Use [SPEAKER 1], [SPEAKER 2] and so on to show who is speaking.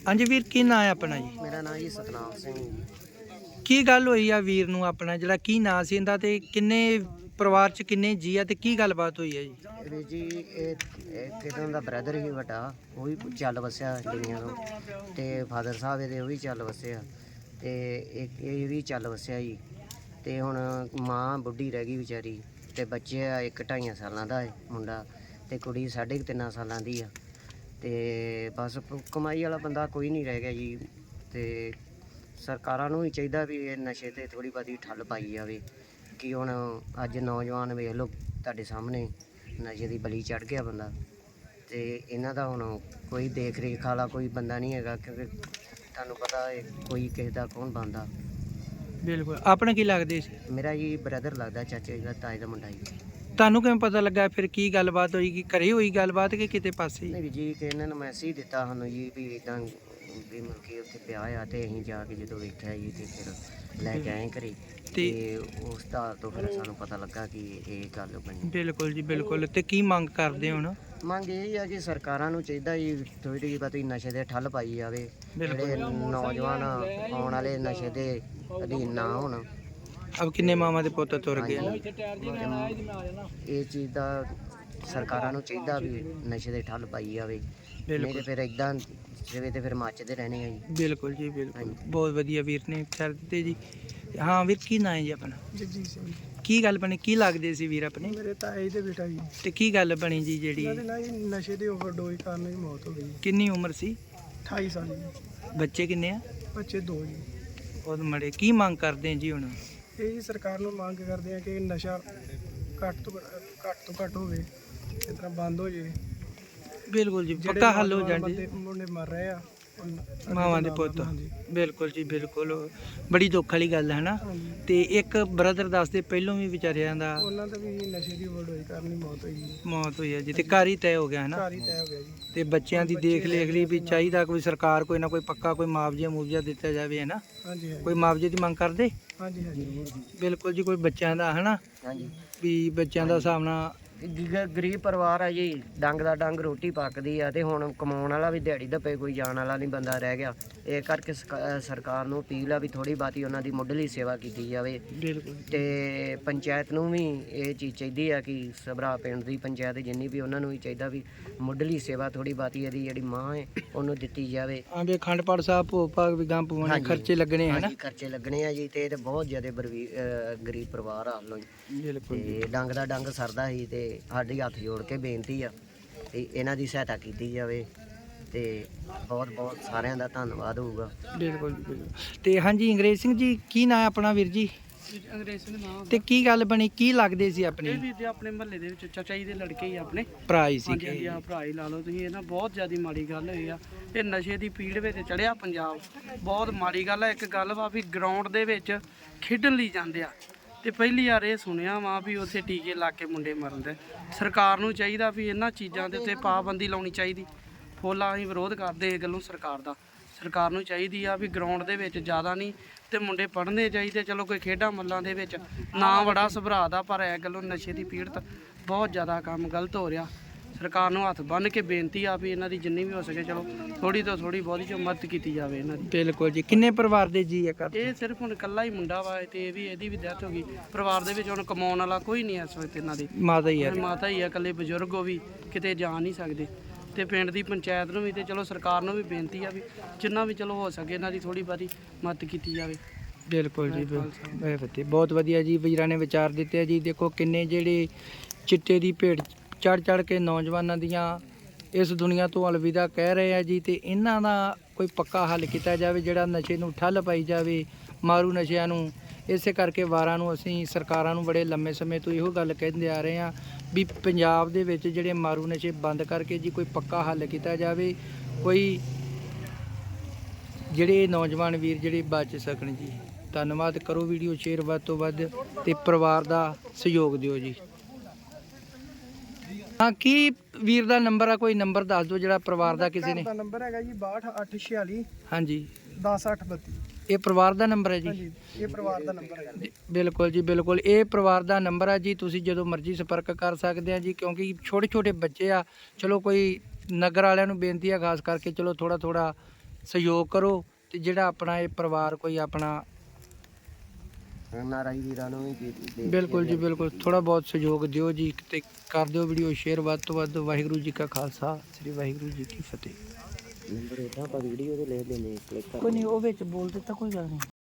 [SPEAKER 1] ਹਾਂਜੀ ਵੀਰ, ਕੀ ਨਾਂ ਹੈ ਆਪਣਾ ਜੀ?
[SPEAKER 2] ਮੇਰਾ ਨਾਮ ਜੀ ਸਤਨਾਮ ਸਿੰਘ।
[SPEAKER 1] ਕੀ ਗੱਲ ਹੋਈ ਆ ਵੀਰ ਨੂੰ ਆਪਣਾ, ਜਿਹੜਾ ਕੀ ਨਾਂ ਸੀ ਇਹਦਾ, ਤੇ ਕਿੰਨੇ ਪਰਿਵਾਰ ਚ ਕਿੰਨੇ ਜੀ ਆ, ਤੇ ਕੀ ਗੱਲਬਾਤ ਹੋਈ ਹੈ ਜੀ?
[SPEAKER 2] ਵੀਰ ਜੀ ਇਹ ਕਿਦੋਂ ਦਾ ਬ੍ਰਦਰ ਹੀ ਵੱਡਾ, ਉਹ ਵੀ ਚੱਲ ਵਸਿਆ ਦੁਨੀਆ ਤੋਂ, ਤੇ ਫਾਦਰ ਸਾਹਿਬ ਇਹਦੇ ਉਹ ਵੀ ਚੱਲ ਵਸਿਆ, ਤੇ ਇੱਕ ਇਹ ਵੀ ਚੱਲ ਵਸਿਆ ਜੀ। ਤੇ ਹੁਣ ਮਾਂ ਬੁੱਢੀ ਰਹਿ ਗਈ ਵਿਚਾਰੀ, ਤੇ ਬੱਚੇ ਆ, ਇੱਕ 2.5 ਸਾਲਾਂ ਦਾ ਹੈ ਮੁੰਡਾ, ਤੇ ਕੁੜੀ 3.5 ਸਾਲਾਂ ਦੀ ਆ। ਤੇ ਬਸ ਕਮਾਈ ਵਾਲਾ ਬੰਦਾ ਕੋਈ ਨਹੀਂ ਰਹਿ ਗਿਆ ਜੀ। ਤੇ ਸਰਕਾਰਾਂ ਨੂੰ ਵੀ ਚਾਹੀਦਾ ਵੀ ਇਹ ਨਸ਼ੇ ਤੇ ਥੋੜ੍ਹੀ ਬਹੁਤੀ ਠੱਲ ਪਾਈ ਜਾਵੇ, ਕਿ ਹੁਣ ਅੱਜ ਨੌਜਵਾਨ ਵੇਖ ਲਓ ਤੁਹਾਡੇ ਸਾਹਮਣੇ ਨਸ਼ੇ ਦੀ ਬਲੀ ਚੜ੍ਹ ਗਿਆ ਬੰਦਾ, ਤੇ ਇਹਨਾਂ ਦਾ ਹੁਣ ਕੋਈ ਦੇਖ ਰੇਖ ਵਾਲਾ ਕੋਈ ਬੰਦਾ ਨਹੀਂ ਹੈਗਾ, ਕਿਉਂਕਿ ਤੁਹਾਨੂੰ ਪਤਾ ਹੈ ਕੋਈ ਕਿਸੇ ਦਾ ਕੌਣ ਬਣਦਾ।
[SPEAKER 1] ਬਿਲਕੁਲ। ਆਪਣੇ ਕੀ ਲੱਗਦੇ ਸੀ?
[SPEAKER 2] ਮੇਰਾ ਜੀ ਬ੍ਰਦਰ ਲੱਗਦਾ, ਚਾਚੇ ਦਾ, ਤਾਏ ਦਾ ਮੁੰਡਾ ਜੀ।
[SPEAKER 1] ਤੁਹਾਨੂੰ ਕਿਵੇਂ ਪਤਾ ਲੱਗਾ ਫਿਰ? ਕੀ ਗੱਲਬਾਤ ਹੋਈ? ਕਿ ਘਰੇ ਹੋਈ ਗੱਲਬਾਤ ਕਿ ਕਿਤੇ ਪਾਸੇ?
[SPEAKER 2] ਨਹੀਂ ਜੀ, ਕਿ ਇਹਨਾਂ ਨੇ ਮੈਸੇਜ ਦਿੱਤਾ ਸਾਨੂੰ ਜੀ ਵੀ ਇੱਦਾਂ ਵੀ ਮਤਲਬ ਕਿ ਉੱਥੇ ਪਿਆ ਆ, ਤੇ ਅਸੀਂ ਜਾ ਕੇ ਜਦੋਂ ਵੇਖਿਆ ਜੀ ਤੇ ਫਿਰ ਲੈ ਕੇ ਆਏ ਘਰੇ, ਤੇ ਉਸ ਦਾ ਤੋਂ ਫਿਰ ਸਾਨੂੰ ਪਤਾ ਲੱਗਾ ਕਿ ਇਹ ਗੱਲ ਬਣੀ।
[SPEAKER 1] ਬਿਲਕੁਲ ਜੀ, ਬਿਲਕੁਲ। ਤੇ ਕੀ ਮੰਗ ਕਰਦੇ ਹੁਣ?
[SPEAKER 2] ਮੰਗ ਇਹ ਆ ਕਿ ਸਰਕਾਰਾਂ ਨੂੰ ਚਾਹੀਦਾ ਜੀ ਥੋੜ੍ਹੀ ਜਿਹੀ ਬਹੁਤੀ ਨਸ਼ੇ ਦੇ ਠੱਲ ਪਾਈ ਜਾਵੇ, ਜਿਹੜੇ ਨੌਜਵਾਨ ਆਉਣ ਵਾਲੇ ਨਸ਼ੇ ਦੇ ਅਧੀਨ ਨਾ ਹੋਣ।
[SPEAKER 1] ਅਬ ਕਿੰਨੇ ਮਾਵਾਂ ਦੇ ਪੁੱਤ ਤੁਰ ਗਏ ਨਾ।
[SPEAKER 2] ਇਹ ਚੀਜ਼ ਦਾ ਸਰਕਾਰਾਂ ਨੂੰ ਚਾਹੀਦਾ ਵੀ ਨਸ਼ੇ ਦੇ ਠੱਲ ਪਾਈ ਜਾਵੇ, ਨਹੀਂ ਤੇ ਫਿਰ ਇਦਾਂ ਜਿਵੇਂ ਤੇ ਫਿਰ ਮੱਚਦੇ ਰਹਿਣੇ ਆ ਜੀ।
[SPEAKER 1] ਬਿਲਕੁਲ ਜੀ, ਬਿਲਕੁਲ। ਬਹੁਤ ਵਧੀਆ ਵੀਰ ਨੇ ਵਿਚਾਰ ਦਿੱਤੇ ਜੀ। ਹਾਂ ਵੀਰ, ਕੀ ਨਾਂ ਹੈ ਜੀ ਆਪਣਾ?
[SPEAKER 3] ਜਗਜੀਤ ਸਿੰਘ।
[SPEAKER 1] ਕੀ ਗੱਲ ਬਣੀ? ਕੀ ਲੱਗਦੇ ਸੀ ਵੀਰ ਆਪਣੇ?
[SPEAKER 3] ਮੇਰੇ ਤਾਏ ਦੇ ਬੇਟਾ ਜੀ।
[SPEAKER 1] ਤੇ ਕੀ ਗੱਲ ਬਣੀ ਜੀ ਜਿਹੜੀ?
[SPEAKER 3] ਇਹਨਾਂ ਦੇ ਨਾਲ ਜੀ ਨਸ਼ੇ ਦੀ ਓਵਰਡੋਜ਼ ਕਾਰਨ ਹੀ ਮੌਤ ਹੋ ਗਈ।
[SPEAKER 1] ਕਿੰਨੀ ਉਮਰ ਸੀ?
[SPEAKER 3] 28 ਸਾਲ ਜੀ।
[SPEAKER 1] ਬੱਚੇ ਕਿੰਨੇ ਆ?
[SPEAKER 3] ਬੱਚੇ 2 ਜੀ।
[SPEAKER 1] ਉਹ ਮੜੇ। ਕੀ ਮੰਗ ਕਰਦੇ ਆ ਜੀ ਹੁਣ?
[SPEAKER 3] ਇਹ ਜੀ ਸਰਕਾਰ ਨੂੰ ਮੰਗ ਕਰਦੇ ਆ ਕਿ ਨਸ਼ਾ ਘੱਟ ਤੋਂ ਘੱਟ ਹੋਵੇ, ਇਸ ਤਰ੍ਹਾਂ ਬੰਦ ਹੋ ਜੇ।
[SPEAKER 1] ਬਿਲਕੁਲ ਜੀ, ਪੱਕਾ ਹੱਲ ਹੋ ਜਾਣ ਜੀ।
[SPEAKER 3] ਮੁੰਡੇ ਮਰ ਰਹੇ ਆ
[SPEAKER 1] ਮਾਵਾਂ ਦੇ ਪੁੱਤ।
[SPEAKER 3] ਹਾਂਜੀ।
[SPEAKER 1] ਬਿਲਕੁਲ ਜੀ, ਬਿਲਕੁਲ। ਬੜੀ ਦੁੱਖ ਵਾਲੀ ਗੱਲ ਹੈ ਨਾ।
[SPEAKER 3] ਹਾਂਜੀ।
[SPEAKER 1] ਤੇ ਇੱਕ ਬ੍ਰਦਰ ਦੱਸਦੇ ਪਹਿਲੋਂ ਵੀ ਵਿਚਾਰਿਆਂ ਦਾ
[SPEAKER 3] ਉਹਨਾਂ ਦਾ ਵੀ ਨਸ਼ੇ ਦੀ ਓਵਰਡੋਜ਼ ਕਾਰਨ ਹੀ ਮੌਤ ਹੋਈ ਜੀ।
[SPEAKER 1] ਮੌਤ ਹੋਈ ਹੈ ਜੀ, ਤੇ ਘਰ ਹੀ ਤੈਅ ਹੋ ਗਿਆ ਹੈ ਨਾ।
[SPEAKER 3] ਘਰ ਹੀ ਤੈਅ ਹੋ ਗਿਆ ਜੀ।
[SPEAKER 1] ਤੇ ਬੱਚਿਆਂ ਦੀ ਦੇਖ ਲੇਖ ਲਈ ਵੀ ਚਾਹੀਦਾ ਕੋਈ ਸਰਕਾਰ ਕੋਈ ਨਾ ਕੋਈ ਪੱਕਾ ਕੋਈ ਮੁਆਵਜ਼ਾ ਦਿੱਤਾ ਜਾਵੇ, ਹੈ ਨਾ।
[SPEAKER 3] ਹਾਂਜੀ
[SPEAKER 1] ਕੋਈ ਮੁਆਵਜ਼ੇ ਦੀ ਮੰਗ ਕਰਦੇ?
[SPEAKER 3] ਹਾਂਜੀ ਹਾਂਜੀ।
[SPEAKER 1] ਬਿਲਕੁਲ ਜੀ। ਕੋਈ ਬੱਚਿਆਂ ਦਾ, ਹੈ ਨਾ,
[SPEAKER 2] ਹਾਂਜੀ।
[SPEAKER 1] ਵੀ ਬੱਚਿਆਂ ਦਾ ਸਾਹਮਣਾ।
[SPEAKER 2] ਗਰੀਬ ਪਰਿਵਾਰ ਆ ਜੀ, ਡੰਗ ਦਾ ਡੰਗ ਰੋਟੀ ਪੱਕਦੀ ਆ, ਤੇ ਹੁਣ ਕਮਾਉਣ ਵਾਲਾ ਵੀ ਦਿਹਾੜੀ ਧੱਪੇ ਕੋਈ ਜਾਣ ਵਾਲਾ ਨਹੀਂ ਬੰਦਾ ਰਹਿ ਗਿਆ। ਇਹ ਕਰਕੇ ਸਰਕਾਰ ਨੂੰ ਅਪੀਲ ਆ ਵੀ ਥੋੜ੍ਹੀ ਬਾਤੀ ਉਹਨਾਂ ਦੀ ਮੁੱਢਲੀ ਸੇਵਾ ਕੀਤੀ ਜਾਵੇ।
[SPEAKER 1] ਬਿਲਕੁਲ।
[SPEAKER 2] ਤੇ ਪੰਚਾਇਤ ਨੂੰ ਵੀ ਇਹ ਚੀਜ਼ ਚਾਹੀਦੀ ਆ ਕਿ ਸਭਰਾ ਪਿੰਡ ਦੀ ਪੰਚਾਇਤ ਜਿੰਨੀ ਵੀ, ਉਹਨਾਂ ਨੂੰ ਵੀ ਚਾਹੀਦਾ ਵੀ ਮੁੱਢਲੀ ਸੇਵਾ ਥੋੜ੍ਹੀ ਬਾਤੀ ਇਹਦੀ ਜਿਹੜੀ ਮਾਂ ਹੈ ਉਹਨੂੰ ਦਿੱਤੀ ਜਾਵੇ।
[SPEAKER 1] ਹਾਂ ਵੀ ਅਖੰਡ ਪਾਠ ਸਾਹਿਬ ਭੋਗ ਭਾਗ ਵੀ ਗਾਂ ਪਵਾਉਣੇ, ਖਰਚੇ ਲੱਗਣੇ, ਹੈ ਨਾ।
[SPEAKER 2] ਖਰਚੇ ਲੱਗਣੇ ਆ ਜੀ, ਤੇ ਇਹ ਤੇ ਬਹੁਤ ਜ਼ਿਆਦਾ ਗਰੀਬ ਪਰਿਵਾਰ ਆ ਲੋ।
[SPEAKER 1] ਬਿਲਕੁਲ।
[SPEAKER 2] ਤੇ ਡੰਗ ਦਾ ਡੰਗ ਸਰਦਾ ਸੀ, ਤੇ ਸਾਡੀ ਹੱਥ ਜੋੜ ਕੇ ਬੇਨਤੀ ਆ ਤੇ ਇਹਨਾਂ ਦੀ ਸਹਾਇਤਾ ਕੀਤੀ ਜਾਵੇ, ਤੇ ਬਹੁਤ ਬਹੁਤ ਸਾਰਿਆਂ ਦਾ ਧੰਨਵਾਦ ਹੋਊਗਾ।
[SPEAKER 1] ਬਿਲਕੁਲ ਜੀ, ਬਿਲਕੁਲ। ਤੇ ਹਾਂਜੀ, ਅੰਗਰੇਜ਼ ਸਿੰਘ ਜੀ, ਕੀ ਨਾਂ ਹੈ ਆਪਣਾ ਵੀਰ ਜੀ?
[SPEAKER 3] ਅੰਗਰੇਜ਼ ਸਿੰਘ ਨਾਮ।
[SPEAKER 1] ਤੇ ਕੀ ਗੱਲ ਬਣੀ? ਕੀ ਲੱਗਦੇ ਸੀ ਆਪਣੇ?
[SPEAKER 3] ਇਹ ਵੀਰ ਜੀ ਆਪਣੇ ਮਹੱਲੇ ਦੇ ਵਿੱਚ ਚਾਚਾ ਜੀ ਦੇ ਲੜਕੇ ਹੀ ਆਪਣੇ
[SPEAKER 1] ਭਰਾ ਹੀ
[SPEAKER 3] ਹਾਂਜੀ
[SPEAKER 1] ਸੀ?
[SPEAKER 3] ਹਾਂਜੀ, ਆ ਭਰਾ ਹੀ ਲਾ ਲਓ ਤੁਸੀਂ। ਇਹ ਨਾ ਬਹੁਤ ਜ਼ਿਆਦਾ ਮਾੜੀ ਗੱਲ ਹੋਈ ਆ। ਇਹ ਨਸ਼ੇ ਦੀ ਪੀੜ ਵਿੱਚ ਚੜਿਆ ਪੰਜਾਬ, ਬਹੁਤ ਮਾੜੀ ਗੱਲ ਆ। ਇੱਕ ਗੱਲ ਵਾ ਵੀ ਗਰਾਊਂਡ ਦੇ ਵਿੱਚ ਖੇਡਣ ਲਈ ਜਾਂਦੇ ਆ, ਤੇ ਪਹਿਲੀ ਵਾਰ ਇਹ ਸੁਣਿਆ ਵਾ ਵੀ ਉੱਥੇ ਟੀਕੇ ਲਾ ਕੇ ਮੁੰਡੇ ਮਰਨ ਦੇ। ਸਰਕਾਰ ਨੂੰ ਚਾਹੀਦਾ ਵੀ ਇਹਨਾਂ ਚੀਜ਼ਾਂ ਦੇ ਉੱਤੇ ਪਾਬੰਦੀ ਲਾਉਣੀ ਚਾਹੀਦੀ। ਫੁੱਲ ਅਸੀਂ ਵਿਰੋਧ ਕਰਦੇ ਇਹ ਗੱਲੋਂ ਸਰਕਾਰ ਦਾ। ਸਰਕਾਰ ਨੂੰ ਚਾਹੀਦੀ ਆ ਵੀ ਗਰਾਊਂਡ ਦੇ ਵਿੱਚ ਜ਼ਿਆਦਾ ਨਹੀਂ ਤੇ ਮੁੰਡੇ ਪੜ੍ਹਨੇ ਚਾਹੀਦੇ। ਚਲੋ ਕੋਈ ਖੇਡਾਂ ਮੱਲਾਂ ਦੇ ਵਿੱਚ ਨਾ ਬੜਾ ਸੁਭਰਾ ਦਾ, ਪਰ ਇਹ ਗੱਲੋਂ ਨਸ਼ੇ ਦੀ ਪੀੜਤ ਬਹੁਤ ਜ਼ਿਆਦਾ ਕੰਮ ਗਲਤ ਹੋ ਰਿਹਾ। ਸਰਕਾਰ ਨੂੰ ਹੱਥ ਬੰਨ੍ਹ ਕੇ ਬੇਨਤੀ ਆ ਵੀ ਇਹਨਾਂ ਦੀ ਜਿੰਨੀ ਵੀ ਹੋ ਸਕੇ ਚਲੋ ਥੋੜੀ ਤੋਂ ਥੋੜੀ ਬਹੁਤੀ ਜੋ ਮਦਦ ਕੀਤੀ ਜਾਵੇ ਇਹਨਾਂ ਦੀ।
[SPEAKER 1] ਬਿਲਕੁਲ ਜੀ। ਕਿੰਨੇ ਪਰਿਵਾਰ ਦੇ ਜੀ ਆ?
[SPEAKER 3] ਇਹ ਸਿਰਫ ਹੁਣ ਇਕੱਲਾ ਹੀ ਮੁੰਡਾ ਵਾ, ਤੇ ਇਹਦੀ ਵੀ ਡੈਥ ਹੋ ਗਈ। ਪਰਿਵਾਰ ਦੇ ਵਿੱਚ ਹੁਣ ਕਮਾਉਣ ਵਾਲਾ ਕੋਈ ਨਹੀਂ ਇਸ ਵਕਤ ਇਹਨਾਂ ਦੀ।
[SPEAKER 1] ਮਾਤਾ ਹੀ ਆ?
[SPEAKER 3] ਮਾਤਾ ਹੀ ਆ, ਇਕੱਲੇ ਬਜ਼ੁਰਗ ਉਹ ਵੀ ਕਿਤੇ ਜਾ ਨਹੀਂ ਸਕਦੇ। ਤੇ ਪਿੰਡ ਦੀ ਪੰਚਾਇਤ ਨੂੰ ਵੀ ਤੇ ਚਲੋ ਸਰਕਾਰ ਨੂੰ ਵੀ ਬੇਨਤੀ ਆ ਵੀ ਜਿੰਨਾ ਵੀ ਚਲੋ ਹੋ ਸਕੇ ਇਹਨਾਂ ਦੀ ਥੋੜੀ ਬਹੁਤੀ ਮਦਦ ਕੀਤੀ ਜਾਵੇ।
[SPEAKER 1] ਬਿਲਕੁਲ ਜੀ, ਬਹੁਤ ਵਧੀਆ ਜੀ ਵੀਰਾਂ ਨੇ ਵਿਚਾਰ ਦਿੱਤੇ ਆ ਜੀ। ਦੇਖੋ ਕਿੰਨੇ ਜਿਹੜੇ ਚਿੱਟੇ ਦੀ ਭੇਟ ਚੜ ਕੇ ਨੌਜਵਾਨਾਂ ਦੀਆਂ ਇਸ ਦੁਨੀਆ ਤੋਂ ਅਲਵਿਦਾ ਕਹਿ ਰਹੇ ਆ ਜੀ, ਤੇ ਇਹਨਾਂ ਦਾ ਕੋਈ ਪੱਕਾ ਹੱਲ ਕੀਤਾ ਜਾਵੇ, ਜਿਹੜਾ ਨਸ਼ੇ ਨੂੰ ਠੱਲ ਪਾਈ ਜਾਵੇ, ਮਾਰੂ ਨਸ਼ਿਆਂ ਨੂੰ। ਇਸੇ ਕਰਕੇ ਵਾਰਾਂ ਨੂੰ ਅਸੀਂ ਸਰਕਾਰਾਂ ਨੂੰ ਬੜੇ ਲੰਮੇ ਸਮੇਂ ਤੋਂ ਇਹੋ ਗੱਲ ਕਹਿੰਦੇ ਆ ਰਹੇ ਹਾਂ ਵੀ ਪੰਜਾਬ ਦੇ ਵਿੱਚ ਜਿਹੜੇ ਮਾਰੂ ਨਸ਼ੇ ਬੰਦ ਕਰਕੇ ਜੀ ਕੋਈ ਪੱਕਾ ਹੱਲ ਕੀਤਾ ਜਾਵੇ, ਕੋਈ ਜਿਹੜੇ ਨੌਜਵਾਨ ਵੀਰ ਜਿਹੜੇ ਬਚ ਸਕਣ ਜੀ। ਧੰਨਵਾਦ। ਕਰੋ ਵੀਡੀਓ ਸ਼ੇਅਰ ਵੱਧ ਤੋਂ ਵੱਧ, ਤੇ ਪਰਿਵਾਰ ਦਾ ਸਹਿਯੋਗ ਦਿਓ ਜੀ। ਹਾਂ, ਕੀ ਵੀਰ ਦਾ ਨੰਬਰ ਆ? ਕੋਈ ਨੰਬਰ ਦੱਸ ਦਿਓ ਜਿਹੜਾ ਪਰਿਵਾਰ ਦਾ ਕਿਸੇ ਨੇ।
[SPEAKER 3] ਦਾ ਨੰਬਰ ਹੈਗਾ ਜੀ 6286
[SPEAKER 1] ਹਾਂਜੀ,
[SPEAKER 3] 10832।
[SPEAKER 1] ਇਹ ਪਰਿਵਾਰ ਦਾ ਨੰਬਰ ਹੈ ਜੀ?
[SPEAKER 3] ਹਾਂਜੀ, ਇਹ ਪਰਿਵਾਰ ਦਾ ਨੰਬਰ ਹੈਗਾ ਜੀ।
[SPEAKER 1] ਬਿਲਕੁਲ ਜੀ, ਬਿਲਕੁਲ। ਇਹ ਪਰਿਵਾਰ ਦਾ ਨੰਬਰ ਆ ਜੀ, ਤੁਸੀਂ ਜਦੋਂ ਮਰਜ਼ੀ ਸੰਪਰਕ ਕਰ ਸਕਦੇ ਆ ਜੀ, ਕਿਉਂਕਿ ਛੋਟੇ ਛੋਟੇ ਬੱਚੇ ਆ। ਚਲੋ ਕੋਈ ਨਗਰ ਵਾਲਿਆਂ ਨੂੰ ਬੇਨਤੀ ਆ ਖਾਸ ਕਰਕੇ, ਚਲੋ ਥੋੜਾ ਸਹਿਯੋਗ ਕਰੋ ਤੇ ਜਿਹੜਾ ਆਪਣਾ ਇਹ ਪਰਿਵਾਰ ਕੋਈ ਆਪਣਾ
[SPEAKER 2] ਨਾਰਾਈ ਵੀਰਾਂ ਨੂੰ ਵੀ
[SPEAKER 1] ਬਿਲਕੁਲ ਜੀ ਬਿਲਕੁਲ ਥੋੜਾ ਬਹੁਤ ਸਹਿਯੋਗ ਦਿਓ ਜੀ ਤੇ ਕਰ ਦਿਓ ਵੀਡੀਓ ਸ਼ੇਅਰ ਵੱਧ ਤੋਂ ਵੱਧ। ਵਾਹਿਗੁਰੂ ਜੀ ਕਾ ਖਾਲਸਾ ਸ੍ਰੀ ਵਾਹਿਗੁਰੂ ਜੀ ਕੀ ਫਤਿਹ।
[SPEAKER 2] ਨੰਬਰ ਇਦਾਂ ਆਪਾਂ ਵੀਡੀਓ ਤੇ ਲੈ ਲੈਨੇ ਕਲਿੱਕ
[SPEAKER 1] ਕੋਈ ਨਹੀਂ ਉਹ ਵਿੱਚ ਬੋਲ ਦਿੱਤਾ ਕੋਈ ਗੱਲ ਨਹੀਂ।